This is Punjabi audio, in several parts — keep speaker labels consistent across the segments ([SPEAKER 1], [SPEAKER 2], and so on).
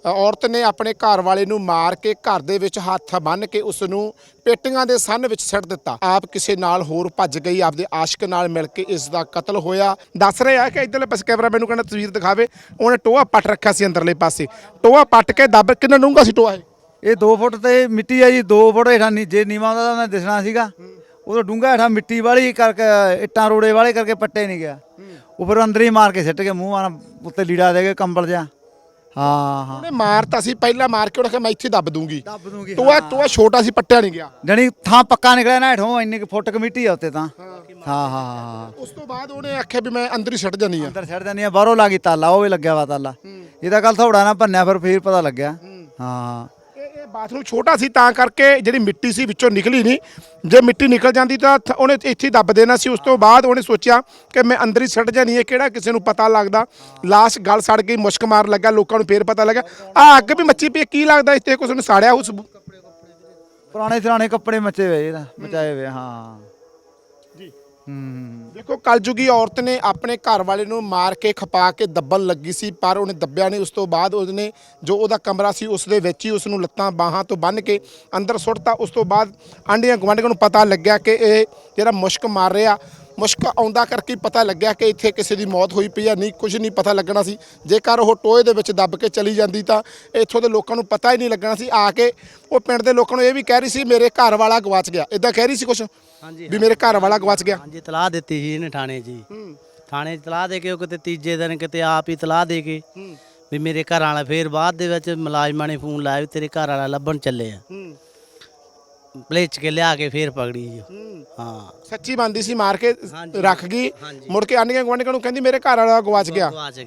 [SPEAKER 1] ਔਰਤ ਨੇ ਆਪਣੇ ਘਰ ਵਾਲੇ ਨੂੰ ਮਾਰ ਕੇ ਘਰ ਦੇ ਵਿੱਚ ਹੱਥ ਬੰਨ੍ਹ ਕੇ ਉਸ ਨੂੰ ਪੇਟੀਆਂ ਦੇ ਸੰਨ ਵਿੱਚ ਸਿੱਟ ਦਿੱਤਾ। ਆਪ ਕਿਸੇ ਨਾਲ ਹੋਰ ਭੱਜ ਗਈ, ਆਪਦੇ ਆਸ਼ਕ ਨਾਲ ਮਿਲ ਕੇ ਇਸ ਦਾ ਕਤਲ ਹੋਇਆ। ਦੱਸ ਰਹੇ ਆ ਕਿ ਇੱਧਰਲੇ ਪਾਸੇ ਕੈਮਰਾ ਮੈਨੂੰ ਕਹਿੰਦਾ ਤਸਵੀਰ ਦਿਖਾਵੇ, ਉਹਨੇ ਟੋਆ ਪੱਟ ਰੱਖਿਆ ਸੀ ਅੰਦਰਲੇ ਪਾਸੇ, ਟੋਆ ਪੱਟ ਕੇ ਦੱਬ ਕਿੰਨਾ ਡੂੰਘਾ ਸੀ ਟੋਆ
[SPEAKER 2] ਇਹ 2 ਫੁੱਟ ਤੇ ਮਿੱਟੀ ਆ ਜੀ, 2 ਫੁੱਟ ਹੇਠਾਂ ਜੇ ਨੀਵਾਂ ਦਾ ਉਹਨੇ ਦਿਸਣਾ ਸੀਗਾ, ਉਦੋਂ ਡੂੰਘਾ ਹੇਠਾਂ ਮਿੱਟੀ ਵਾਲੀ ਕਰਕੇ ਇੱਟਾਂ ਰੋੜੇ ਵਾਲੇ ਕਰਕੇ ਪੱਟੇ ਨਹੀਂ ਗਿਆ, ਉਹ ਫਿਰ ਅੰਦਰ ਹੀ ਮਾਰ ਕੇ ਸਿੱਟ ਕੇ ਮੂੰਹ ਮਾਰ ਉੱਤੇ ਲੀੜਾ ਦੇ ਕੇ ਕੰਬਲ ਜਿਹਾ। ਹਾਂ
[SPEAKER 1] ਉਹਨੇ ਮਾਰਤਾ ਸੀ ਪਹਿਲਾਂ, ਮਾਰ ਕੇ ਉਹਨੇ ਕਿਹਾ ਮੈਂ ਇੱਥੇ ਦੱਬ ਦੂੰਗੀ। ਟੋਆ ਛੋਟਾ ਸੀ, ਪੱਟਿਆ ਨਹੀਂ ਗਿਆ,
[SPEAKER 2] ਜਾਣੀ ਥਾਂ ਪੱਕਾ ਨਿਕਲਿਆ ਨਾ ਹੇਠੋਂ, ਇੰਨੀ ਕੁ ਫੁੱਟ ਕਮੇਟੀ ਆ ਉੱਤੇ ਤਾਂ। ਹਾਂ
[SPEAKER 1] ਉਸ ਤੋਂ ਬਾਅਦ ਉਹਨੇ ਆਖਿਆ ਵੀ ਮੈਂ ਅੰਦਰ ਹੀ ਛੱਡ ਜਾਨੀ ਆ,
[SPEAKER 2] ਅੰਦਰ ਛੱਡ ਜਾਨੀ ਆ। ਬਾਹਰੋਂ ਲੱਗੀ ਤਾਲਾ, ਉਹ ਵੀ ਲੱਗਿਆ ਵਾ ਤਾਲਾ। ਇਹਦਾ ਕੱਲ ਥੋੜਾ ਨਾ ਭੰਨਿਆ, ਫਿਰ ਪਤਾ ਲੱਗਿਆ। ਹਾਂ
[SPEAKER 1] ਇਹ ਬਾਥਰੂਮ ਛੋਟਾ ਸੀ ਤਾਂ ਕਰਕੇ ਜਿਹੜੀ ਮਿੱਟੀ ਸੀ ਵਿੱਚੋਂ ਨਿਕਲੀ ਨਹੀਂ, ਜੇ ਮਿੱਟੀ ਨਿਕਲ ਜਾਂਦੀ ਤਾਂ ਉਹਨੇ ਇੱਥੇ ਦੱਬ ਦੇਣਾ ਸੀ। ਉਸ ਤੋਂ ਬਾਅਦ ਉਹਨੇ ਸੋਚਿਆ ਕਿ ਮੈਂ ਅੰਦਰ ਹੀ ਛੱਡ ਜਾਣੀ ਹੈ, ਕਿਹੜਾ ਕਿਸੇ ਨੂੰ ਪਤਾ ਲੱਗਦਾ। ਲਾਸ਼ ਗਲ ਸੜ ਗਈ, ਮੁਸ਼ਕ ਮਾਰ ਲੱਗਾ, ਲੋਕਾਂ ਨੂੰ ਫੇਰ ਪਤਾ ਲੱਗਾ ਆ ਅੱਗ ਵੀ ਮੱਚੀ ਪਈ, ਕੀ ਲੱਗਦਾ ਇੱਥੇ ਕੁਛ ਨੂੰ ਸਾੜਿਆ ਉਸ
[SPEAKER 2] ਪੁਰਾਣੇ ਕੱਪੜੇ ਮੱਚੇ ਹੋਏ, ਇਹਦਾ ਮਚਾਏ ਹੋਏ। ਹਾਂ
[SPEAKER 1] ਜੀ
[SPEAKER 2] ਦੇਖੋ
[SPEAKER 1] ਕਲਯੁਗੀ ਔਰਤ ਨੇ ਆਪਣੇ ਘਰ ਵਾਲੇ ਨੂੰ ਮਾਰ ਕੇ ਖਪਾ ਕੇ ਦੱਬਣ ਲੱਗੀ ਸੀ, ਪਰ ਉਹਨੇ ਦੱਬਿਆ ਨਹੀਂ। ਉਸ ਤੋਂ ਬਾਅਦ ਉਹਨੇ ਜੋ ਉਹਦਾ ਕਮਰਾ ਸੀ ਉਸ ਦੇ ਵਿੱਚ ਹੀ ਉਸ ਨੂੰ ਲੱਤਾਂ ਬਾਹਾਂ ਤੋਂ ਬੰਨ੍ਹ ਕੇ ਅੰਦਰ ਸੁੱਟਤਾ। ਉਸ ਤੋਂ ਬਾਅਦ ਆਂਢੀਆਂ ਗੁਆਂਢੀਆਂ ਨੂੰ ਪਤਾ ਲੱਗਿਆ ਕਿ ਇਹ ਜਿਹੜਾ ਮੁਸ਼ਕ ਮਾਰ ਰਿਹਾ, ਮੁਸ਼ਕ ਆਉਂਦਾ ਕਰਕੇ ਪਤਾ ਲੱਗਿਆ ਕਿ ਇੱਥੇ ਕਿਸੇ ਦੀ ਮੌਤ ਹੋਈ ਪਈ ਆ। ਨਹੀਂ ਕੁਝ ਨਹੀਂ ਪਤਾ ਲੱਗਣਾ ਸੀ, ਜੇਕਰ ਉਹ ਟੋਏ ਦੇ ਵਿੱਚ ਦੱਬ ਕੇ ਚਲੀ ਜਾਂਦੀ ਤਾਂ ਇੱਥੋਂ ਦੇ ਲੋਕਾਂ ਨੂੰ ਪਤਾ ਹੀ ਨਹੀਂ ਲੱਗਣਾ ਸੀ। ਆ ਕੇ ਉਹ ਪਿੰਡ ਦੇ ਲੋਕਾਂ ਨੂੰ ਇਹ ਵੀ ਕਹਿ ਰਹੀ ਸੀ ਮੇਰੇ ਘਰ ਵਾਲਾ ਗਵਾਚ ਗਿਆ, ਇਦਾਂ ਕਹਿ ਰਹੀ ਸੀ ਕੁਛ ਵੀ ਮੇਰੇ ਘਰ ਵਾਲਾ ਗਵਾਚ ਗਿਆ।
[SPEAKER 3] ਹਾਂਜੀ ਤਲਾਹ ਦਿੱਤੀ ਸੀ ਇਹਨੇ ਥਾਣੇ 'ਚ ਜੀ, ਥਾਣੇ 'ਚ ਤਲਾਹ ਦੇ ਕੇ ਉਹ ਕਿਤੇ ਤੀਜੇ ਦਿਨ ਕਿਤੇ ਆਪ ਹੀ ਤਲਾਹ ਦੇ ਕੇ ਵੀ ਮੇਰੇ ਘਰ ਵਾਲਾ, ਫਿਰ ਬਾਅਦ ਦੇ ਵਿੱਚ ਮੁਲਾਜ਼ਮਾਂ ਨੇ ਫੋਨ ਲਾਇਆ ਵੀ ਤੇਰੇ ਘਰ ਵਾਲਾ ਲੱਭਣ ਚੱਲੇ ਆ, ਪਲੇਚ ਕੇ ਲਿਆ ਕੇ ਫੇਰ ਪਕੜੀ ਜੀ। ਹਾਂ
[SPEAKER 1] ਸੱਚੀ ਬੰਦੀ ਸੀ, ਮਾਰ ਕੇ ਰੱਖ ਗਈ, ਮੁੜ ਕੇ ਆਂਢੀਆਂ ਗੁਆਂਢੀਆਂ ਨੂੰ ਕਹਿੰਦੀ ਮੇਰੇ ਘਰ ਵਾਲਾ ਗਵਾਚ ਗਿਆ।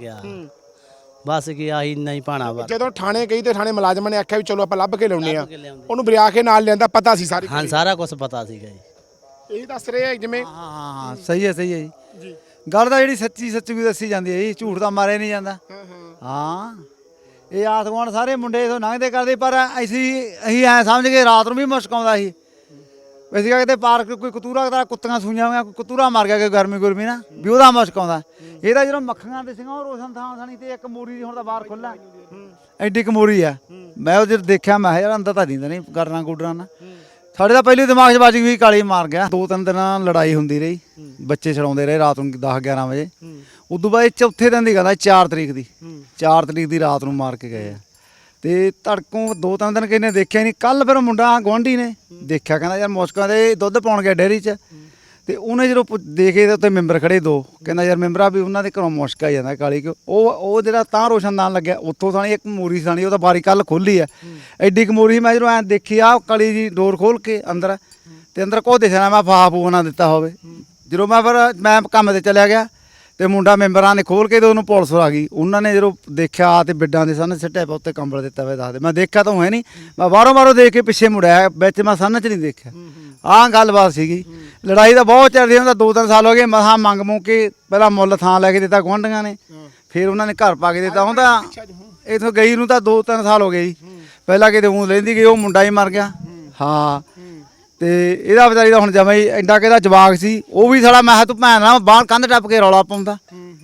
[SPEAKER 3] ਬਸ ਕੀ ਆਹੀ ਨਹੀਂ ਪਾਣਾ ਵਾ।
[SPEAKER 1] ਜਦੋਂ ਥਾਣੇ ਗਈ ਤੇ ਥਾਣੇ ਮੁਲਾਜ਼ਮਾਂ ਨੇ ਆਖਿਆ ਵੀ ਚਲੋ ਆਪਾਂ ਲੱਭ ਕੇ ਲਿਆਉਂਦੇ ਆ, ਉਹਨੂੰ ਬਰਿਆ ਕੇ ਨਾਲ ਲਿਆਂਦਾ, ਪਤਾ ਸੀ ਸਾਰੀ।
[SPEAKER 3] ਹਾਂ ਸਾਰਾ ਕੁਝ ਪਤਾ ਸੀਗਾ ਜੀ,
[SPEAKER 1] ਇਹੀ ਦੱਸ ਰਹੇ ਆ ਜਿਵੇਂ।
[SPEAKER 2] ਹਾਂ ਸਹੀ ਹੈ ਜੀ। ਗੱਲ ਤਾਂ ਜਿਹੜੀ ਸੱਚੀ ਵੀ ਦੱਸੀ ਜਾਂਦੀ ਹੈ ਜੀ, ਝੂਠ ਤਾਂ ਮਾਰਿਆ ਨਹੀਂ ਜਾਂਦਾ। ਹਾਂ ਇਹ ਆਸ ਗੁਆਂਢ ਸਾਰੇ ਮੁੰਡੇ ਇਥੋਂ ਲੰਘਦੇ ਕਰਦੇ, ਪਰ ਅਸੀਂ ਐਂ ਸਮਝ ਕੇ ਰਾਤ ਨੂੰ ਵੀ ਮੁਸ਼ਕ ਆਉਂਦਾ ਸੀ। ਅਸੀਂ ਕਿਤੇ ਪਾਰਕ ਕੋਈ ਕਤੂਰਾ ਕੁੱਤੀਆਂ ਸੂਈਆਂ ਹੋਈਆਂ, ਕੋਈ ਕਤੂਰਾ ਮਰ ਗਿਆ, ਕਿ ਗਰਮੀ ਨਾ ਵੀ ਉਹਦਾ ਮੁਸ਼ਕ ਆਉਂਦਾ। ਇਹਦਾ ਜਦੋਂ ਮੱਖੀਆਂ ਦੇ ਸਿੰਘਾਂ ਉਹ ਰੋਸ਼ਨ ਥਾਂ ਸਣੀ ਤੇ ਇੱਕ ਮੋਰੀ ਦੀ ਹੁਣ ਤਾਂ ਬਾਹਰ ਖੁੱਲ੍ਹਾ, ਐਡੀ ਕੁ ਮੋਰੀ ਆ। ਮੈਂ ਉਹ ਜਦੋਂ ਦੇਖਿਆ ਮੈਂ ਯਾਰ ਅੰਦਰ ਤਾਂ ਨਹੀਂ ਗਰਨਾ ਗੁਡਰਾਂ ਨਾਲ। ਸਾਡੇ ਤਾਂ ਪਹਿਲੇ ਦਿਮਾਗ 'ਚ ਵੱਜ ਗਈ ਕਾਲੀ ਮਾਰ ਗਿਆ। 2-3 ਦਿਨਾਂ ਲੜਾਈ ਹੁੰਦੀ ਰਹੀ, ਬੱਚੇ ਛਡਾਉਂਦੇ ਰਹੇ ਰਾਤ ਨੂੰ 10-11 ਵਜੇ। ਉਦੋਂ ਬਾਅਦ ਚੌਥੇ ਦਿਨ ਦੀ ਗੱਲ ਆ, 4 ਤਰੀਕ ਦੀ ਰਾਤ ਨੂੰ ਮਾਰ ਕੇ ਗਏ ਆ। ਤੇ ਤੜਕੋਂ 2-3 ਦਿਨ ਕਿਨੇ ਦੇਖਿਆ ਨਹੀਂ। ਕੱਲ ਫਿਰ ਮੁੰਡਾ ਗੁਆਂਢੀ ਨੇ ਦੇਖਿਆ, ਕਹਿੰਦਾ ਯਾਰ ਮੁਸ਼ਕਾਂ ਦੇ ਦੁੱਧ ਪਾਉਣ ਗਿਆ ਡੇਅਰੀ 'ਚ। ਤੇ ਉਹਨੇ ਜਦੋਂ ਦੇਖੇ ਤਾਂ ਉੱਤੇ ਮੈਂਬਰ ਖੜੇ 2, ਕਹਿੰਦਾ ਯਾਰ ਮੈਂਬਰਾਂ ਵੀ ਉਹਨਾਂ ਦੇ ਘਰੋਂ ਮੁਸ਼ਕ ਆ ਜਾਂਦਾ ਕਾਲੀ। ਕਿ ਉਹ ਜਿਹੜਾ ਤਾਂ ਰੋਸ਼ਨਦਾਨ ਲੱਗਿਆ ਉੱਥੋਂ ਸਾਣੀ ਇੱਕ ਮੋਰੀ ਸਾਣੀ, ਉਹ ਤਾਂ ਬਾਰੀ ਕੱਲ ਖੋਲੀ ਆ, ਐਡੀ ਕੁ ਮੋਰੀ। ਮੈਂ ਜਦੋਂ ਐਂ ਦੇਖੀ ਆ ਕਾਲੀ ਜੀ ਡੋਰ ਖੋਲ ਕੇ ਅੰਦਰ, ਤੇ ਅੰਦਰ ਕੋ ਦਿਖਣਾ ਮੈਂ ਫਾਹ ਫੂਹ ਨਾ ਦਿੱਤਾ ਹੋਵੇ। ਜਦੋਂ ਮੈਂ ਕੰਮ ਤੇ ਚਲਿਆ ਗਿਆ ਤੇ ਮੁੰਡਾ ਮੈਂਬਰਾਂ ਨੇ ਖੋਲ ਕੇ ਤੇ ਉਹਨੂੰ ਪੁਲਿਸ ਆ ਗਈ। ਉਹਨਾਂ ਨੇ ਜਦੋਂ ਦੇਖਿਆ ਤੇ ਬਿੱਡਾਂ ਦੇ ਸਾਹਮਣੇ ਸਿੱਟਿਆ ਪਿਆ, ਉੱਤੇ ਕੰਬਲ ਦਿੱਤਾ ਹੋਇਆ। ਦੱਸਦੇ ਮੈਂ ਦੇਖਿਆ ਤਾਂ ਹੈ ਨਹੀਂ, ਮੈਂ ਬਾਹਰੋਂ ਦੇਖ ਕੇ ਪਿੱਛੇ ਮੁੜਿਆ, ਵਿੱਚ ਮੈਂ ਸਾਹਮਣੇ 'ਚ ਨਹੀਂ ਦੇਖਿਆ। ਆਹ ਗੱਲਬਾਤ ਸੀਗੀ। ਲੜਾਈ ਤਾਂ ਬਹੁਤ ਚੱਲਦੀ ਹੁੰਦਾ, 2-3 ਸਾਲ ਹੋ ਗਏ। ਮਸਾਂ ਮੰਗ ਕੇ ਪਹਿਲਾਂ ਮੁੱਲ ਥਾਂ ਲੈ ਕੇ ਦਿੱਤਾ ਗੁਆਂਢੀਆਂ ਨੇ, ਫਿਰ ਉਹਨਾਂ ਨੇ ਘਰ ਪਾ ਕੇ ਦਿੱਤਾ। ਹੁਣ ਤਾਂ ਇੱਥੋਂ ਗਈ ਨੂੰ ਤਾਂ 2-3 ਸਾਲ ਹੋ ਗਏ ਜੀ। ਪਹਿਲਾਂ ਕਿਤੇ ਊਂ ਲੈਂਦੀ ਗਈ, ਉਹ ਮੁੰਡਾ ਹੀ ਮਰ ਗਿਆ। ਹਾਂ ਤੇ ਇਹਦਾ ਵਿਚਾਰੀ ਦਾ ਹੁਣ ਜਮਾ ਹੀ ਐਡਾ ਕਿਹਦਾ ਜਵਾਕ ਸੀ, ਉਹ ਵੀ ਸਾਲਾ ਮੈਂ ਤੂੰ ਭੈਣ ਨਾਲ ਬਾਹਰ ਕੰਧ ਟੱਪ ਕੇ ਰੌਲਾ ਪਾਉਂਦਾ।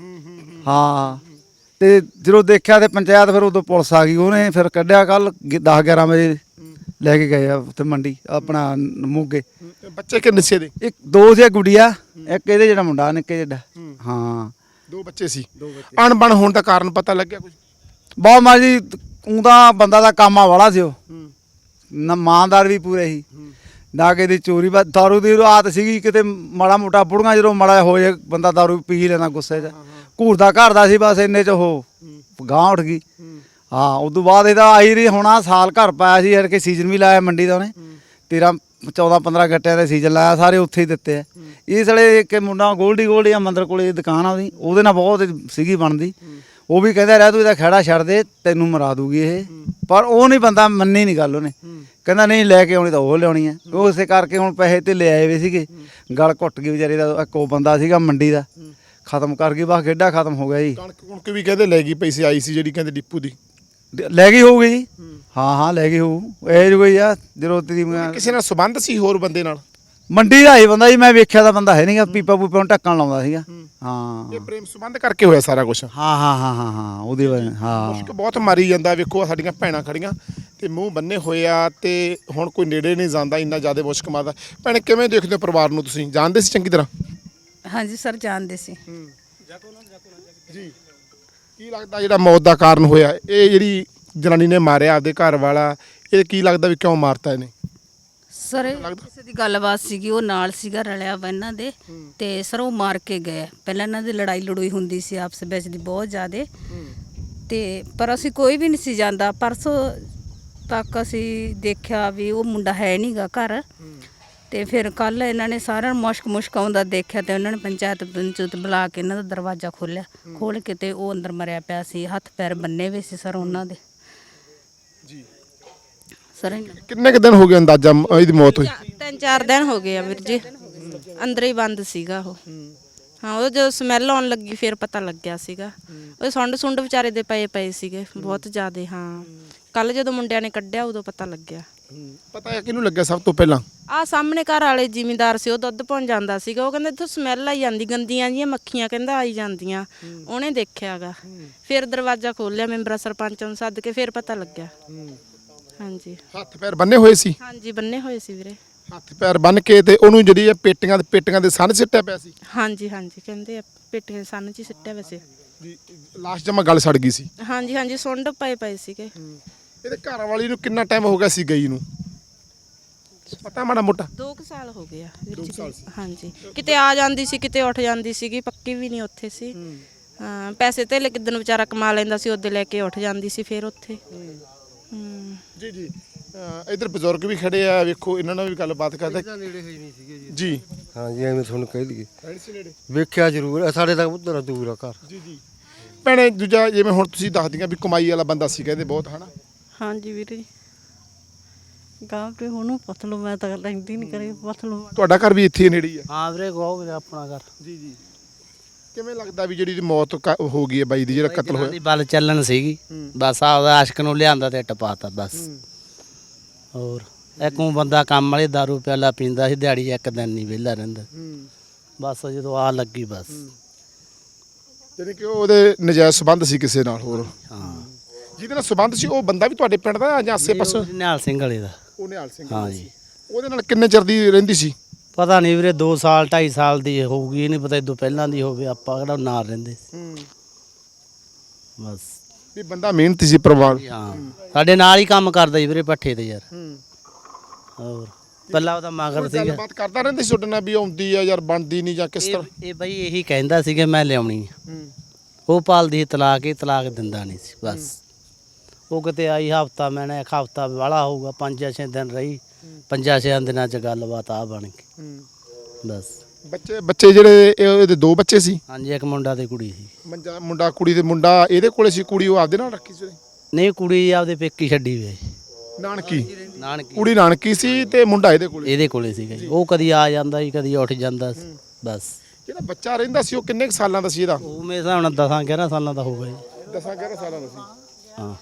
[SPEAKER 2] ਹਾਂ ਤੇ ਜਦੋਂ ਦੇਖਿਆ ਤੇ ਪੰਚਾਇਤ, ਫਿਰ ਉਦੋਂ ਪੁਲਿਸ ਆ ਗਈ, ਉਹਨੇ ਫਿਰ ਕੱਢਿਆ। ਕੱਲ 10-11 ਵਜੇ ਲੈ ਕੇ ਗਏ ਆ ਉੱਥੇ ਮੰਡੀ ਆਪਣਾ ਮੋਗੇ।
[SPEAKER 1] ਬੱਚੇ ਕਿੰਨੇ ਸੀ ਇਹਦੇ?
[SPEAKER 2] 2 ਸੀ ਗੁੜੀਆ, ਇੱਕ ਇਹਦੇ ਜਿਹੜਾ ਮੁੰਡਾ ਨਿੱਕੇ ਜਿਹੜਾ। ਹਾਂ
[SPEAKER 1] 2 ਬੱਚੇ ਸੀ। ਅਣਬਣ ਹੋਣ ਦਾ ਕਾਰਨ ਪਤਾ ਲੱਗਿਆ ਕੁਝ?
[SPEAKER 2] ਬਹੁਤ ਮਾਂ ਜੀ, ਉਹਦਾ ਬੰਦਾ ਦਾ ਕਾਮਾ ਵਾਲਾ ਸੀ, ਉਹ ਨਾ ਇਮਾਨਦਾਰ ਵੀ ਪੂਰੇ ਸੀ, ਨਾ ਕਿ ਇਹਦੀ ਚੋਰੀ। ਬਸ ਦਾਰੂ ਦੀ ਆਦਤ ਸੀਗੀ, ਕਿਤੇ ਮਾੜਾ ਮੋਟਾ ਬੁੜੀਆਂ ਜਦੋਂ ਮਾੜਾ ਹੋ ਜਾਏ ਬੰਦਾ ਦਾਰੂ ਪੀ ਲੈਣਾ ਗੁੱਸੇ 'ਚ। ਘੂਰਦਾ ਘਰ ਦਾ ਸੀ, ਬਸ ਇੰਨੇ 'ਚ ਉਹ ਗਾਂਹ ਉੱਠ ਗਈ। ਹਾਂ ਉਦੋਂ ਬਾਅਦ ਇਹਦਾ ਆਈ ਰਹੀ ਹੋਣਾ ਸਾਲ ਘਰ ਪਾਇਆ ਸੀ, ਯਾਰ ਕਿ ਸੀਜ਼ਨ ਵੀ ਲਾਇਆ ਮੰਡੀ ਦਾ ਉਹਨੇ। 13-14-15 ਗੱਟਿਆਂ ਦਾ ਸੀਜ਼ਨ ਲਾਇਆ, ਸਾਰੇ ਉੱਥੇ ਹੀ ਦਿੱਤੇ ਆ। ਇਹ ਸਾਲੇ ਇੱਕ ਮੁੰਡਾ ਗੋਲਡੀ ਆ ਮੰਦਰ ਕੋਲੇ ਦੁਕਾਨ ਆ ਉਹਦੇ ਨਾਲ ਬਹੁਤ ਸੀਗੀ ਬਣਦੀ। ਉਹ ਵੀ ਕਹਿੰਦਾ ਰਹਿ ਤੂੰ ਇਹਦਾ ਖਹਿੜਾ ਛੱਡ ਦੇ, ਤੈਨੂੰ ਮਰਾ ਦੂਗੀ ਇਹ। ਪਰ ਉਹ ਨਹੀਂ, ਬੰਦਾ ਮੰਨੀ ਨਹੀਂ ਗੱਲ। ਉਹਨੇ ਕਹਿੰਦਾ ਨਹੀਂ ਲੈ ਕੇ ਆਉਣੀ ਤਾਂ ਉਹ ਲਿਆਉਣੀ ਆ। ਉਹ ਇਸੇ ਕਰਕੇ ਹੁਣ ਪੈਸੇ ਤੇ ਲੈ ਆਏ ਵੇ ਸੀਗੇ, ਗਲ ਘੁੱਟ ਗਈ ਵਿਚਾਰੇ ਦਾ। ਇੱਕ ਉਹ ਬੰਦਾ ਸੀਗਾ ਮੰਡੀ ਦਾ, ਖਤਮ ਕਰ ਗਈ, ਬਸ ਖੇਡਾ ਖਤਮ ਹੋ ਗਿਆ ਜੀ।
[SPEAKER 1] ਕਣਕ ਵੀ ਕਹਿੰਦੇ ਲੈ ਗਈ ਪੈਸੇ ਆਈ ਸੀ ਜਿਹੜੀ, ਕਹਿੰਦੇ ਡਿਪੂ ਦੀ
[SPEAKER 2] ਲੈ ਗਈ ਹੋਊਗੀ ਜੀ। ਹਾਂ ਲੈ ਗਈ ਹੋਊ, ਇਹ ਜੋ ਕੋਈ ਆ ਜਦੋਂ ਤੇਰੀ
[SPEAKER 1] ਕਿਸੇ ਨਾਲ ਸੰਬੰਧ ਸੀ ਹੋਰ ਬੰਦੇ ਨਾਲ?
[SPEAKER 2] ਮੰਡੀ ਦਾ ਹੀ ਬੰਦਾ ਜੀ, ਮੈਂ ਵੇਖਿਆ ਤਾਂ ਬੰਦਾ ਹੈ ਨਹੀਂਗਾ, ਪੀਪਾ ਪੂਪਾ ਨੂੰ ਢੱਕਣ ਲਾਉਂਦਾ ਸੀਗਾ। ਹਾਂ
[SPEAKER 1] ਇਹ ਪ੍ਰੇਮ ਸੰਬੰਧ ਕਰਕੇ ਹੋਇਆ ਸਾਰਾ ਕੁਝ।
[SPEAKER 2] ਹਾਂ ਉਹਦੀ ਵਜ੍ਹਾ ਹਾਂ।
[SPEAKER 1] ਮੁਸ਼ਕ ਬਹੁਤ ਮਾਰੀ ਜਾਂਦਾ, ਵੇਖੋ ਸਾਡੀਆਂ ਭੈਣਾਂ ਖੜੀਆਂ ਤੇ ਮੂੰਹ ਬੰਨੇ ਹੋਏ ਆ ਤੇ ਹੁਣ ਕੋਈ ਨੇੜੇ ਨਹੀਂ ਜਾਂਦਾ, ਇੰਨਾ ਜ਼ਿਆਦਾ ਮੁਸ਼ਕ ਮਾਰਦਾ। ਭੈਣੇ ਕਿਵੇਂ ਦੇਖਦੇ ਹੋ ਪਰਿਵਾਰ ਨੂੰ, ਤੁਸੀਂ ਜਾਣਦੇ ਸੀ ਚੰਗੀ ਤਰ੍ਹਾਂ?
[SPEAKER 4] ਹਾਂਜੀ ਸਰ ਜਾਣਦੇ ਸੀ।
[SPEAKER 1] ਜੀ ਕੀ ਲੱਗਦਾ ਜਿਹੜਾ ਮੌਤ ਦਾ ਕਾਰਨ ਹੋਇਆ, ਇਹ ਜਿਹੜੀ ਜਨਾਨੀ ਨੇ ਮਾਰਿਆ ਆਪਦੇ ਘਰ ਵਾਲਾ, ਇਹ ਕੀ ਲੱਗਦਾ ਵੀ ਕਿਉਂ ਮਾਰਤਾ ਇਹਨੇ?
[SPEAKER 4] ਸਰ ਇਹ ਕਿਸੇ ਦੀ ਗੱਲਬਾਤ ਸੀਗੀ, ਉਹ ਨਾਲ ਸੀਗਾ ਰਲਿਆ ਵਾ ਇਹਨਾਂ ਦੇ, ਤੇ ਸਰ ਉਹ ਮਾਰ ਕੇ ਗਏ। ਪਹਿਲਾਂ ਇਹਨਾਂ ਦੀ ਲੜਾਈ ਲੜੂਈ ਹੁੰਦੀ ਸੀ ਆਪਸ ਵਿੱਚ ਦੀ ਬਹੁਤ ਜ਼ਿਆਦੇ, ਤੇ ਪਰ ਅਸੀਂ ਕੋਈ ਵੀ ਨਹੀਂ ਸੀ ਜਾਂਦਾ। ਪਰਸੋਂ ਤੱਕ ਅਸੀਂ ਦੇਖਿਆ ਵੀ ਉਹ ਮੁੰਡਾ ਹੈ ਨਹੀਂਗਾ ਘਰ, ਤੇ ਫਿਰ ਕੱਲ ਇਹਨਾਂ ਨੇ ਸਾਰਿਆਂ ਨੂੰ ਮੁਸ਼ਕ ਆਉਂਦਾ ਦੇਖਿਆ, ਤੇ ਉਹਨਾਂ ਨੇ ਪੰਚਾਇਤ ਬੁਲਾ ਕੇ ਇਹਨਾਂ ਦਾ ਦਰਵਾਜ਼ਾ ਖੋਲ੍ਹਿਆ, ਖੋਲ੍ਹ ਕੇ ਤੇ ਉਹ ਅੰਦਰ ਮਰਿਆ ਪਿਆ ਸੀ, ਹੱਥ ਪੈਰ ਬੰਨੇ ਹੋਏ ਸੀ ਸਰ ਉਹਨਾਂ ਦੇ।
[SPEAKER 1] ਜੀ
[SPEAKER 4] ਸਰ
[SPEAKER 1] ਕਿੰਨੇ ਕੁ ਦਿਨ ਹੋ ਗਏ ਅੰਦਾਜ਼ਾ ਇਹਦੀ ਮੌਤ ਹੋਈ?
[SPEAKER 5] 3-4 ਦਿਨ ਹੋ ਗਏ ਆ ਵੀਰ ਜੀ, ਅੰਦਰ ਹੀ ਬੰਦ ਸੀਗਾ ਉਹ। ਹਾਂ ਉਹ ਜਦੋਂ ਸਮੈਲ ਆਉਣ ਲੱਗੀ ਫਿਰ ਪਤਾ ਲੱਗਿਆ ਸੀਗਾ। ਉਹ ਸੁੰਡ ਵਿਚਾਰੇ ਦੇ ਪਏ ਸੀਗੇ ਬਹੁਤ ਜ਼ਿਆਦੇ। ਹਾਂ ਕੱਲ ਜਦੋਂ ਮੁੰਡਿਆਂ ਨੇ ਕੱਢਿਆ ਉਦੋਂ ਪਤਾ ਲੱਗਿਆ।
[SPEAKER 1] ਪਤਾ ਹੈ ਕਿਹਨੂੰ ਲੱਗਿਆ ਸਭ ਤੋਂ ਪਹਿਲਾਂ?
[SPEAKER 5] ਆਹ ਸਾਹਮਣੇ ਘਰ ਵਾਲੇ ਜ਼ਿਮੀਂਦਾਰ ਸੀ, ਉਹ ਦੁੱਧ ਪਾਉਣ ਜਾਂਦਾ ਸੀਗਾ। ਉਹ ਕਹਿੰਦਾ ਇੱਥੋਂ ਸਮੈਲ ਆਈ ਜਾਂਦੀ, ਗੰਦੀਆਂ ਜੀਆਂ ਮੱਖੀਆਂ ਕਹਿੰਦਾ ਆਈ ਜਾਂਦੀਆਂ। ਉਹਨੇ ਦੇਖਿਆਗਾ, ਫਿਰ ਦਰਵਾਜ਼ਾ ਖੋਲ੍ਹਿਆ, ਮੈਂਬਰਾਂ ਸਰਪੰਚ ਨੂੰ ਸੱਦ ਕੇ ਫਿਰ ਪਤਾ ਲੱਗਿਆ। ਹਾਂਜੀ
[SPEAKER 1] ਹੱਥ ਪੈਰ ਬੰਨੇ ਹੋਏ ਸੀ?
[SPEAKER 5] ਹਾਂਜੀ ਬੰਨੇ ਹੋਏ ਸੀ ਵੀਰੇ,
[SPEAKER 1] ਹੱਥ ਪੈਰ ਬੰਨ ਕੇ, ਤੇ ਉਹਨੂੰ ਜਿਹੜੀ ਇਹ ਪੇਟੀਆਂ ਦੇ ਸੰਨ ਸਿੱਟਿਆ ਪਿਆ ਸੀ?
[SPEAKER 5] ਹਾਂਜੀ ਕਹਿੰਦੇ ਆ ਪੇਟੀਆਂ ਸੰਨ 'ਚ ਹੀ ਸਿੱਟਿਆ ਵੈਸੇ।
[SPEAKER 1] ਜੀ ਲਾਸ਼ ਜਮਾ ਗਲ ਸੜ ਗਈ ਸੀ?
[SPEAKER 5] ਹਾਂਜੀ ਸੁੰਡ ਪਏ ਸੀਗੇ।
[SPEAKER 1] ਇਹਦੇ ਘਰ ਵਾਲੀ ਨੂੰ ਕਿੰਨਾ ਟਾਈਮ ਹੋ ਗਿਆ ਸੀ ਗਈ ਨੂੰ, ਪਤਾ ਮਾੜਾ ਮੋਟਾ?
[SPEAKER 5] 2 ਸਾਲ ਹੋ ਗਏ ਆ ਵੀਰ ਜੀ। ਹਾਂਜੀ ਕਿਤੇ ਆ ਜਾਂਦੀ ਸੀ, ਕਿਤੇ ਉੱਠ ਜਾਂਦੀ ਸੀਗੀ, ਪੱਕੀ ਵੀ ਨਹੀਂ ਉੱਥੇ ਸੀ। ਹਾਂ ਪੈਸੇ ਤੇ ਕਿਦਨ ਵਿਚਾਰਾ ਕਮਾ ਲੈਂਦਾ ਸੀ, ਉਹਦੇ ਲੈ ਕੇ ਉੱਠ ਜਾਂਦੀ ਸੀ ਫਿਰ ਉੱਥੇ।
[SPEAKER 1] ਜੀ ਇਧਰ ਬਜ਼ੁਰਗ ਵੀ ਖੜੇ ਆ, ਵੇਖੋ ਇਹਨਾਂ ਨਾਲ ਵੀ ਗੱਲਬਾਤ ਕਰਦੇ।
[SPEAKER 6] ਨੇੜੇ ਹੋਈ ਨਹੀਂ ਸੀਗੇ ਜੀ।
[SPEAKER 1] ਜੀ
[SPEAKER 6] ਹਾਂਜੀ ਐਵੇਂ ਤੁਹਾਨੂੰ ਕਹਿ ਲਈਏ, ਵੇਖਿਆ ਜ਼ਰੂਰ, ਸਾਡੇ ਤੱਕ ਉਧਰ ਦੂਰ ਆ ਘਰ।
[SPEAKER 1] ਜੀ ਭੈਣੇ ਦੂਜਾ ਜਿਵੇਂ ਹੁਣ ਤੁਸੀਂ ਦੱਸਦੀਆਂ ਵੀ ਕਮਾਈ ਵਾਲਾ ਬੰਦਾ ਸੀ ਕਹਿੰਦੇ ਬਹੁਤ, ਹਨਾ?
[SPEAKER 7] ਹਾਂਜੀ ਵੀਰੇ ਜੀ, ਗਾਂ ਤੇ ਉਹਨੂੰ ਪੁੱਛ ਲਓ, ਮੈਂ ਤਾਂ ਲੈਂਦੀ ਨਹੀਂ ਕਰੇ, ਪੁੱਛ ਲਓ।
[SPEAKER 1] ਤੁਹਾਡਾ ਘਰ ਵੀ ਇੱਥੇ ਨੇੜੇ ਹੀ ਆ?
[SPEAKER 3] ਹਾਂ ਵੀਰੇ ਗੋ ਵੀਰੇ ਆਪਣਾ ਘਰ।
[SPEAKER 1] ਜੀ ਕਿਵੇਂ ਲੱਗਦਾ ਵੀ ਜਿਹੜੀ ਮੌਤ ਹੋ ਗਈ ਹੈ ਬਾਈ ਦੀ, ਜਿਹੜਾ ਕਤਲ ਹੋਇਆ?
[SPEAKER 3] ਦੀ ਬਲ ਚੱਲਣ ਸੀਗੀ, ਬਸ ਆਪਦਾ ਆਸ਼ਕ ਨੂੰ ਲਿਆਂਦਾ ਤੇ ਟਪਾਤਾ ਬਸ। ਹੋਰ ਇੱਕੋਂ ਬੰਦਾ ਕੰਮ ਵਾਲੇ ਦਾਰੂ ਪਿਆਲਾ ਪੀਂਦਾ ਸੀ, ਦਿਹਾੜੀ ਇੱਕ ਦਿਨ ਨਹੀਂ ਵਿਹਲਾ ਰਹਿੰਦਾ। ਬਸ ਜਦੋਂ ਆ ਲੱਗੀ ਬਸ।
[SPEAKER 1] ਜਾਨੀ ਕਿ ਉਹਦੇ ਨਜਾਇਜ਼ ਸੰਬੰਧ ਸੀ ਕਿਸੇ ਨਾਲ ਹੋਰ?
[SPEAKER 3] ਹਾਂ
[SPEAKER 1] ਜਿਹਦੇ ਨਾਲ ਸੰਬੰਧ ਸੀ ਉਹ ਬੰਦਾ ਵੀ ਤੁਹਾਡੇ ਪਿੰਡ ਦਾ ਜਾਂ ਆਸੇ ਪਾਸੇ?
[SPEAKER 3] ਨਿਹਾਲ ਸਿੰਘ ਵਾਲੇ ਦਾ।
[SPEAKER 1] ਉਹ ਨਿਹਾਲ ਸਿੰਘ?
[SPEAKER 3] ਹਾਂ ਜੀ।
[SPEAKER 1] ਉਹਦੇ ਨਾਲ ਕਿੰਨੇ ਚਿਰ ਦੀ ਰਹਿੰਦੀ ਸੀ?
[SPEAKER 3] ਪਤਾ ਨਹੀਂ ਵੀਰੇ 2 ਸਾਲ 2.5 ਸਾਲ ਦੀ ਹੋਊਗੀ, ਇਹ ਨਹੀਂ ਪਤਾ ਇਦੋਂ ਪਹਿਲਾਂ ਦੀ ਹੋਵੇ, ਆਪਾਂ ਕਿਹੜਾ ਨਾਲ ਰਹਿੰਦੇ ਸੀ। ਬਸ
[SPEAKER 1] ਵੀ ਬੰਦਾ ਮਿਹਨਤੀ ਸੀ ਪਰਿਵਾਰ?
[SPEAKER 3] ਹਾਂ ਸਾਡੇ ਨਾਲ ਹੀ ਕੰਮ ਕਰਦਾ ਜੀ ਵੀਰੇ ਪੱਠੇ ਤੇ ਯਾਰ। ਹੋਰ ਪਹਿਲਾਂ ਉਹਦਾ ਮਗਰ ਸੀਗਾ।
[SPEAKER 1] ਗੱਲਬਾਤ ਕਰਦਾ ਰਹਿੰਦੇ ਸੀ ਤੁਹਾਡੇ ਨਾਲ ਵੀ ਆਉਂਦੀ ਆ ਯਾਰ ਬਣਦੀ ਨਹੀਂ ਜਾਂ ਕਿਸ ਤਰ੍ਹਾਂ?
[SPEAKER 3] ਇਹ ਬਈ ਇਹੀ ਕਹਿੰਦਾ ਸੀਗਾ ਮੈਂ ਲਿਆਉਣੀ ਆ, ਉਹ ਪਾਲਦੀ ਤਲਾਕ, ਇਹ ਤਲਾਕ ਦਿੰਦਾ ਨਹੀਂ ਸੀ ਬਸ। ਉਹ ਕਿਤੇ ਆਈ ਹਫਤਾ, ਮੈਨੇ ਇੱਕ ਹਫਤਾ ਵਾਲਾ ਹੋਊਗਾ, 5-6 ਦਿਨ ਰਹੀ, 5-6 ਦਿਨਾਂ 'ਚ ਗੱਲਬਾਤ ਆ ਬਣ ਗਈ ਬਸ।
[SPEAKER 1] ਬੱਚੇ ਜਿਹੜੇ ਇਹਦੇ 2 ਬੱਚੇ ਸੀ?
[SPEAKER 3] ਹਾਂਜੀ ਇੱਕ ਮੁੰਡਾ ਤੇ ਕੁੜੀ ਸੀ।
[SPEAKER 1] ਮੁੰਡਾ ਕੁੜੀ ਦੇ ਮੁੰਡਾ ਇਹਦੇ ਕੋਲੇ ਸੀ, ਕੁੜੀ ਉਹ ਆਪਦੇ ਨਾਲ ਰੱਖੀ ਸੀ?
[SPEAKER 3] ਨਹੀਂ ਕੁੜੀ ਆਪਦੇ ਪੇਕੀ ਛੱਡੀ ਵੇ
[SPEAKER 1] ਨਾਨਕੀ?
[SPEAKER 3] ਨਾਨਕੀ
[SPEAKER 1] ਕੁੜੀ ਨਾਨਕੀ ਸੀ ਤੇ ਮੁੰਡਾ ਇਹਦੇ ਕੋਲੇ
[SPEAKER 3] ਸੀਗਾ ਜੀ। ਉਹ ਕਦੀ ਆ ਜਾਂਦਾ ਸੀ, ਕਦੀ ਉੱਠ ਜਾਂਦਾ ਸੀ ਬਸ।
[SPEAKER 1] ਜਿਹੜਾ ਬੱਚਾ ਰਹਿੰਦਾ ਸੀ ਉਹ ਕਿੰਨੇ ਕੁ ਸਾਲਾਂ ਦਾ ਸੀ ਇਹਦਾ?
[SPEAKER 3] ਉਹ ਮੇਰੇ ਹਿਸਾਬ ਨਾਲ 10-11 ਸਾਲਾਂ ਦਾ ਹੋਊਗਾ ਜੀ।
[SPEAKER 1] 10-11 ਸਾਲਾਂ ਦਾ ਸੀ?
[SPEAKER 3] ਹਾਂ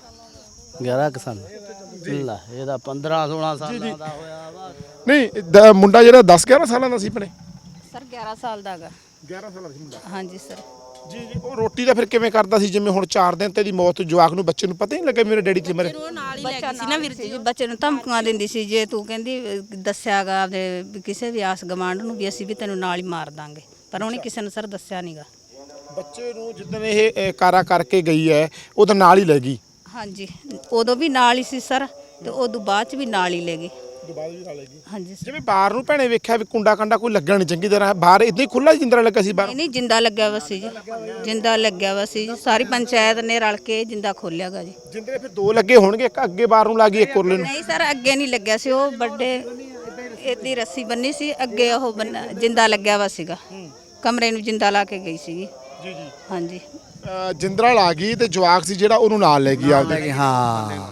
[SPEAKER 3] 11 ਕੁ ਸਾਲ। ਲੈ ਇਹਦਾ 15-16 ਸਾਲਾਂ ਦਾ ਹੋਇਆ ਵਾ।
[SPEAKER 1] ਨਹੀਂ ਮੁੰਡਾ ਜਿਹੜਾ 10-11 ਸਾਲਾਂ ਦਾ ਸੀ ਭਣੇ?
[SPEAKER 4] ਸਰ 11 ਸਾਲ ਦਾ ਹੈਗਾ।
[SPEAKER 1] 11 ਸਾਲਾਂ ਦਾ ਸੀ ਮੁੰਡਾ?
[SPEAKER 4] ਹਾਂਜੀ ਸਰ।
[SPEAKER 1] ਜੀ ਉਹ ਰੋਟੀ ਦਾ ਫਿਰ ਕਿਵੇਂ ਕਰਦਾ ਸੀ? ਜਿਵੇਂ ਹੁਣ 4 ਦਿਨ ਤੇ ਦੀ ਮੌਤ, ਜਵਾਕ ਨੂੰ ਬੱਚੇ ਨੂੰ ਪਤਾ ਹੀ ਨਹੀਂ ਲੱਗਾ ਮੇਰੇ ਡੈਡੀ ਤੇ ਮਰੇ?
[SPEAKER 5] ਉਹ ਨਾਲ ਹੀ ਲੈ ਗਈ ਸੀ ਨਾ ਵੀਰ ਜੀ।
[SPEAKER 4] ਬੱਚੇ ਨੂੰ ਧਮਕੀਆਂ ਦਿੰਦੀ ਸੀ, ਜੇ ਤੂੰ ਕਹਿੰਦੀ ਦੱਸਿਆਗਾ ਆਪਦੇ ਕਿਸੇ ਵੀ ਆਸ ਗਵਾਂਢ ਨੂੰ ਵੀ ਅਸੀਂ ਵੀ ਤੈਨੂੰ ਨਾਲ ਹੀ ਮਾਰ ਦਾਂਗੇ, ਪਰ ਉਹਨੇ ਕਿਸੇ ਨੂੰ ਸਰ ਦੱਸਿਆ ਨਹੀਂਗਾ।
[SPEAKER 1] ਬੱਚੇ ਨੂੰ ਜਿੱਦਣ ਇਹ ਕਾਰਾ ਕਰਕੇ ਗਈ ਹੈ ਉਹਦੇ ਨਾਲ ਹੀ ਲੈ ਗਈ?
[SPEAKER 4] ਹਾਂਜੀ ਉਦੋਂ ਵੀ ਨਾਲ ਹੀ ਸੀ ਸਰ, ਤੇ ਉਦੋਂ ਬਾਅਦ ਚ ਵੀ ਨਾਲ ਹੀ ਲੈ ਗਏ।
[SPEAKER 1] ਦੁਬਾਰਾ ਵੀ ਨਾਲ ਲੈ ਗਈ?
[SPEAKER 4] ਹਾਂਜੀ ਸਰ।
[SPEAKER 1] ਜਿਵੇਂ ਬਾਹਰ ਨੂੰ ਭੈਣੇ ਵੇਖਿਆ ਵੀ ਕੁੰਡਾ ਕੰਡਾ ਕੋਈ ਲੱਗਿਆ ਨਹੀਂ ਚੰਗੀ ਤਰ੍ਹਾਂ, ਬਾਹਰ ਇਦਾਂ ਹੀ ਖੁੱਲਾ ਜਿੰਦਰਾ ਲੱਗਾ ਸੀ ਬਾਹਰ?
[SPEAKER 4] ਨਹੀਂ ਜਿੰਦਾ ਲੱਗਿਆ ਵਾ ਸੀ ਜੀ, ਜਿੰਦਾ ਲੱਗਿਆ ਵਾ ਸੀ ਜੀ। ਸਾਰੀ ਪੰਚਾਇਤ ਨੇ ਰਲ ਕੇ ਜਿੰਦਾ ਖੋਲਿਆਗਾ ਜੀ।
[SPEAKER 1] ਜਿੰਦਰੇ ਫਿਰ 2 ਲੱਗੇ ਹੋਣਗੇ, ਇੱਕ ਅੱਗੇ ਬਾਹਰ ਨੂੰ ਲੱਗੀ, ਇੱਕ ਉਰਲੇ ਨੂੰ?
[SPEAKER 4] ਨਹੀਂ ਸਰ ਅੱਗੇ ਨਹੀਂ ਲੱਗਿਆ ਸੀ, ਉਹ ਵੱਡੇ ਇਹਦੀ ਰੱਸੀ ਬੰਨੀ ਸੀ ਅੱਗੇ, ਉਹ ਜਿੰਦਾ ਲੱਗਿਆ ਵਾ ਸੀਗਾ, ਕਮਰੇ ਨੂੰ ਜਿੰਦਾ ਲਾ ਕੇ ਗਈ ਸੀਗੀ।
[SPEAKER 1] ਜੀ
[SPEAKER 4] ਹਾਂਜੀ
[SPEAKER 1] ਜਿੰਦਰਾ ਲਾ ਗਈ ਤੇ ਜਵਾਕ ਸੀ ਜਿਹੜਾ ਉਹਨੂੰ ਨਾਲ ਲੈ ਗਈ ਆਪਦੇ?
[SPEAKER 2] ਹਾਂ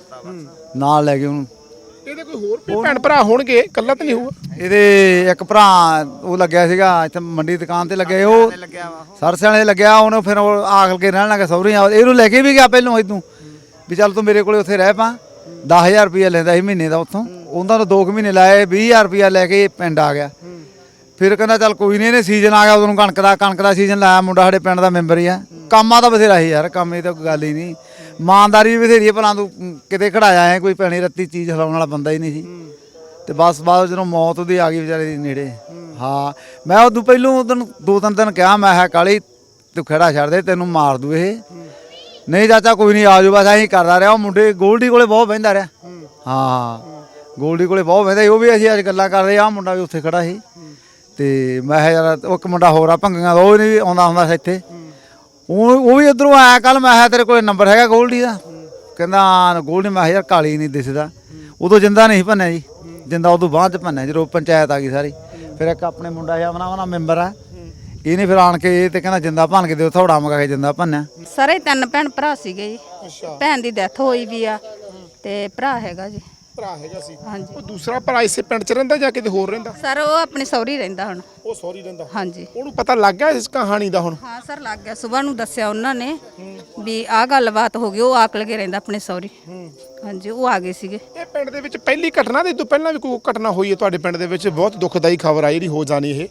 [SPEAKER 2] ਨਾਲ ਲੈ ਗਏ ਉਹਨੂੰ।
[SPEAKER 1] ਇਹਦੇ ਕੋਈ ਹੋਰ ਵੀ ਭੈਣ ਭਰਾ ਹੋਣਗੇ, ਇਕੱਲਾ ਤਾਂ ਨਹੀਂ ਹੋਊਗਾ?
[SPEAKER 2] ਇਹਦੇ ਇੱਕ ਭਰਾ ਉਹ ਲੱਗਿਆ ਸੀਗਾ ਇੱਥੇ ਮੰਡੀ ਦੁਕਾਨ ਤੇ ਲੱਗਿਆ, ਉਹ ਸਰਸੇ ਵਾਲੇ ਲੱਗਿਆ, ਉਹਨੂੰ ਫਿਰ ਉਹ ਆਖਲ ਕੇ ਰਹਿਣ ਲੱਗਾ ਸਹੁਰੇ। ਇਹਨੂੰ ਲੈ ਕੇ ਵੀ ਗਿਆ ਪਹਿਲੋਂ ਇਦੋਂ ਵੀ ਚੱਲ ਤੂੰ ਮੇਰੇ ਕੋਲੇ ਉੱਥੇ ਰਹਿ ਪਾ, 10,000 ਰੁਪਇਆ ਲੈਂਦਾ ਸੀ ਮਹੀਨੇ ਦਾ ਉੱਥੋਂ। ਉਹਨਾਂ ਨੂੰ 2 ਮਹੀਨੇ ਲਾਏ 20,000 ਰੁਪਇਆ ਲੈ ਕੇ ਪਿੰਡ ਆ ਗਿਆ। ਫਿਰ ਕਹਿੰਦਾ ਚੱਲ ਕੋਈ ਨਹੀਂ, ਇਹਨੇ ਸੀਜ਼ਨ ਆ ਗਿਆ ਉਦੋਂ ਕਣਕ ਦਾ ਸੀਜ਼ਨ ਲਾਇਆ। ਮੁੰਡਾ ਸਾਡੇ ਪਿੰਡ ਦਾ ਮੈਂਬਰ ਹੀ ਆ, ਕੰਮਾਂ ਤਾਂ ਬਥੇਰਾ ਸੀ ਯਾਰ, ਕੰਮ ਇਹ ਤਾਂ ਕੋਈ ਗੱਲ ਹੀ ਨਹੀਂ। ਇਮਾਨਦਾਰੀ ਵੀ ਬਥੇਰੀ ਹੈ, ਭਲਾ ਤੂੰ ਕਿਤੇ ਖੜਾਇਆ ਹੈ, ਕੋਈ ਪੈਣੀ ਰੱਤੀ ਚੀਜ਼ ਹਿਲਾਉਣ ਵਾਲਾ ਬੰਦਾ ਹੀ ਨਹੀਂ ਸੀ। ਤੇ ਬਸ ਬਾਅਦ ਜਦੋਂ ਮੌਤ ਉਹਦੀ ਆ ਗਈ ਵਿਚਾਰੇ ਦੀ ਨੇੜੇ, ਹਾਂ ਮੈਂ ਉਦੋਂ ਪਹਿਲੋਂ ਉਦੋਂ 2-3 ਦਿਨ ਕਿਹਾ, ਮੈਂ ਕਿਹਾ ਕਾਲੀ ਤੂੰ ਖੜਾ ਛੱਡ ਦੇ, ਤੈਨੂੰ ਮਾਰ ਦੂ ਇਹ। ਨਹੀਂ ਚਾਚਾ ਕੋਈ ਨਹੀਂ, ਆ ਜਾਓ, ਬਸ ਐਂ ਕਰਦਾ ਰਿਹਾ। ਉਹ ਮੁੰਡੇ ਗੋਲਡੀ ਕੋਲੇ ਬਹੁਤ ਬਹਿੰਦਾ ਰਿਹਾ, ਹਾਂ ਗੋਲਡੀ ਕੋਲੇ ਬਹੁਤ ਬਹਿੰਦਾ। ਉਹ ਵੀ ਅਸੀਂ ਅੱਜ ਗੱਲਾਂ ਕਰਦੇ, ਆਹ ਮੁੰਡਾ ਵੀ ਉੱਥੇ ਖੜਾ ਸੀ। ਤੇ ਮੈਂ ਕਿਹਾ ਯਾਰ ਉਹ ਇੱਕ ਮੁੰਡਾ ਹੋਰ ਆ ਭੰਗੀਆਂ ਦਾ, ਉਹ ਨਹੀਂ ਆਉਂਦਾ ਹੁੰਦਾ ਸੀ ਇੱਥੇ, ਉਹ ਵੀ ਉੱਧਰੋਂ ਆਇਆ ਕੱਲ। ਮੈਂ ਕਿਹਾ ਤੇਰੇ ਕੋਲੇ ਨੰਬਰ ਹੈਗਾ ਗੋਲਡੀ ਦਾ? ਕਹਿੰਦਾ ਗੋਲਡੀ। ਮੈਂ ਕਿਹਾ ਯਾਰ ਕਾਲੀ ਨਹੀਂ ਦਿਸਦਾ। ਉਦੋਂ ਜਿੰਦਾ ਨਹੀਂ ਭੰਨਿਆ ਜੀ, ਜਿੰਦਾ ਉਦੋਂ ਬਾਅਦ ਚ ਭੰਨਿਆ ਜਦੋਂ ਪੰਚਾਇਤ ਆ ਗਈ ਸਾਰੀ। ਫਿਰ ਇੱਕ ਆਪਣੇ ਮੁੰਡਾ ਜਿਹਾ ਆਪਣਾ ਮੈਂਬਰ ਆ, ਇਹਨੇ ਫਿਰ ਆਣ ਕੇ ਤੇ ਕਹਿੰਦਾ ਜਿੰਦਾ ਭੰਨ ਕੇ ਦਿਓ, ਥੋੜਾ ਮਗਾ ਕੇ ਜਿੰਦਾ ਭੰਨਿਆ।
[SPEAKER 4] ਸਾਰੇ 3 ਭੈਣ ਭਰਾ ਸੀਗੇ ਜੀ। ਭੈਣ ਦੀ ਡੈਥ ਹੋਈ ਵੀ ਆ ਤੇ ਭਰਾ ਹੈਗਾ ਜੀ।
[SPEAKER 1] ਭਰਾ ਹੈਗਾ ਸੀ।
[SPEAKER 4] ਹਾਂਜੀ।
[SPEAKER 1] ਉਹ ਦੂਸਰਾ ਭਰਾ ਇਸੇ ਪਿੰਡ 'ਚ ਰਹਿੰਦਾ ਜਾਂ ਕਿਤੇ ਹੋਰ ਰਹਿੰਦਾ?
[SPEAKER 4] ਸਰ ਉਹ ਆਪਣੇ ਸਹੁਰੀ ਰਹਿੰਦਾ ਹੁਣ।
[SPEAKER 1] ਉਹ ਸੌਰੀ ਰਹਿੰਦਾ।
[SPEAKER 4] ਹਾਂਜੀ।
[SPEAKER 1] ਉਹਨੂੰ ਪਤਾ ਲੱਗ ਗਿਆ ਇਸ ਕਹਾਣੀ ਦਾ ਹੁਣ?
[SPEAKER 4] ਹਾਂ ਸਰ ਲੱਗ ਗਿਆ, ਸਵੇਰ ਨੂੰ ਦੱਸਿਆ ਉਹਨਾਂ ਨੇ ਵੀ ਆਹ ਗੱਲਬਾਤ ਹੋ ਗਈ। ਉਹ ਆਕਲ ਕੇ ਰਹਿੰਦਾ ਆਪਣੇ ਸਹੁਰੀ। ਹਾਂਜੀ, ਉਹ ਆ ਗਏ ਸੀਗੇ।
[SPEAKER 1] ਇਹ ਪਿੰਡ ਦੇ ਵਿੱਚ ਪਹਿਲੀ ਘਟਨਾ ਦੇ ਤੋਂ ਪਹਿਲਾਂ ਵੀ ਕੋਈ ਘਟਨਾ ਹੋਈ ਹੈ ਤੁਹਾਡੇ ਪਿੰਡ ਦੇ ਵਿੱਚ? ਬਹੁਤ ਦੁਖਦਾਈ ਖਬਰ ਆਈ ਜਿਹੜੀ ਹੋ ਜਾਣੀ ਇਹ।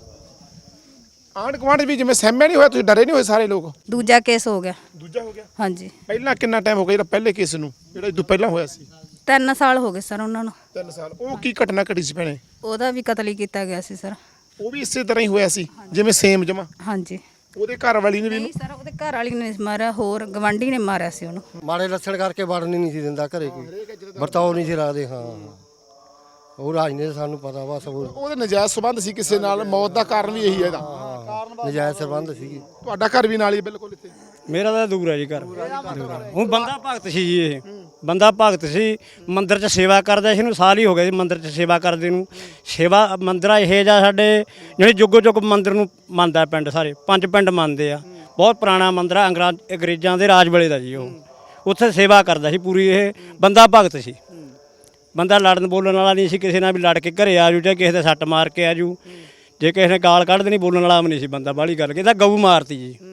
[SPEAKER 1] ਆਂਢ ਗੁਆਂਢ ਵੀ ਜਿਵੇਂ ਸਹਿਮਿਆ ਨਹੀਂ ਹੋਇਆ, ਤੁਸੀਂ ਡਰੇ ਨਹੀਂ ਹੋਏ ਸਾਰੇ ਲੋਕ?
[SPEAKER 4] ਦੂਜਾ ਕੇਸ ਹੋ ਗਿਆ।
[SPEAKER 1] ਦੂਜਾ ਹੋ ਗਿਆ?
[SPEAKER 4] ਹਾਂਜੀ।
[SPEAKER 1] ਪਹਿਲਾਂ ਕਿੰਨਾ ਟਾਈਮ ਹੋ ਗਿਆ ਜਿਹੜਾ ਪਹਿਲੇ ਕੇਸ ਨੂੰ, ਜਿਹੜਾ ਇਹ ਤੋਂ ਪਹਿਲਾਂ ਹੋਇਆ ਸੀ?
[SPEAKER 4] 3 ਸਾਲ ਹੋ ਗਏ ਸਰ ਉਹਨਾਂ ਨੂੰ।
[SPEAKER 1] 3 ਸਾਲ। ਉਹ ਕੀ ਘਟਨਾ ਘਟੀ ਸੀ ਭੈਣੇ?
[SPEAKER 4] ਉਹਦਾ ਵੀ ਕਤਲ ਹੀ ਕੀਤਾ ਗਿਆ ਸੀ ਸਰ।
[SPEAKER 1] ਉਹ ਵੀ ਇਸੇ ਤਰ੍ਹਾਂ ਹੀ ਹੋਇਆ ਸੀ ਜਿਵੇਂ ਸੇਮ ਜਮਾ?
[SPEAKER 4] ਹਾਂਜੀ।
[SPEAKER 1] ਉਹਦੇ ਘਰ ਵਾਲੀ ਨੇ ਵੀ
[SPEAKER 4] ਨਹੀਂ ਸਰ, ਉਹਦੇ ਘਰ ਵਾਲੀ ਨੇ ਮਾਰਿਆ, ਹੋਰ ਗਵਾਂਢੀ ਨੇ ਮਾਰਿਆ ਸੀ ਉਹਨੂੰ।
[SPEAKER 6] ਮਾੜੇ ਲੱਛਣ ਕਰਕੇ ਵੜਨ ਹੀ ਨਹੀਂ ਸੀ ਦਿੰਦਾ ਘਰੇ, ਕੋਈ ਵਰਤਾਓ ਨਹੀਂ ਸੀ ਰੱਖਦੇ। ਹਾਂ ਉਹ ਰਾਜ ਨੇ ਸਾਨੂੰ ਪਤਾ ਬਸ।
[SPEAKER 1] ਉਹਦੇ ਨਜਾਇਜ਼ ਸੰਬੰਧ ਸੀ ਕਿਸੇ ਨਾਲ, ਮੌਤ ਦਾ ਕਾਰਨ ਵੀ ਇਹੀ ਹੈ ਇਹਦਾ।
[SPEAKER 6] ਨਜਾਇਜ਼ ਸੰਬੰਧ ਸੀਗੇ।
[SPEAKER 1] ਤੁਹਾਡਾ ਘਰ ਵੀ ਨਾਲ ਹੀ ਬਿਲਕੁਲ ਇੱਥੇ?
[SPEAKER 8] ਮੇਰਾ ਤਾਂ ਦੂਰ ਹੈ ਜੀ ਘਰ। ਉਹ ਬੰਦਾ ਭਗਤ ਸੀ ਜੀ, ਇਹ ਬੰਦਾ ਭਗਤ ਸੀ, ਮੰਦਿਰ 'ਚ ਸੇਵਾ ਕਰਦਾ ਸੀ। ਇਹਨੂੰ ਸਾਲ ਹੀ ਹੋ ਗਿਆ ਜੀ ਮੰਦਿਰ 'ਚ ਸੇਵਾ ਕਰਦੇ ਨੂੰ। ਸੇਵਾ ਮੰਦਿਰ ਇਹ ਜਾਂ ਸਾਡੇ ਜਿਹੜੇ ਜੁਗੋ ਜੁਗ ਮੰਦਿਰ ਨੂੰ ਮੰਨਦਾ ਪਿੰਡ, ਸਾਰੇ 5 ਪਿੰਡ ਮੰਨਦੇ ਆ। ਬਹੁਤ ਪੁਰਾਣਾ ਮੰਦਿਰ ਆ, ਅੰਗਰੇਜ਼ਾਂ ਦੇ ਰਾਜ ਵੇਲੇ ਦਾ ਜੀ। ਉਹ ਉੱਥੇ ਸੇਵਾ ਕਰਦਾ ਸੀ ਪੂਰੀ। ਇਹ ਬੰਦਾ ਭਗਤ ਸੀ, ਬੰਦਾ ਲੜਨ ਬੋਲਣ ਵਾਲਾ ਨਹੀਂ ਸੀ ਕਿਸੇ ਨਾਲ ਵੀ। ਲੜ ਕੇ ਘਰੇ ਆ ਜੂ ਜਾਂ ਕਿਸੇ ਦੇ ਸੱਟ ਮਾਰ ਕੇ ਆ ਜੂ, ਜੇ ਕਿਸੇ ਨੇ ਗਾਲ ਕੱਢ ਦੇਣੀ ਬੋਲਣ ਵਾਲਾ ਵੀ ਨਹੀਂ ਸੀ ਬੰਦਾ। ਬਾਹਲੀ ਗੱਲ ਕਿ ਤਾਂ ਗਊ ਮਾਰਤੀ ਜੀ।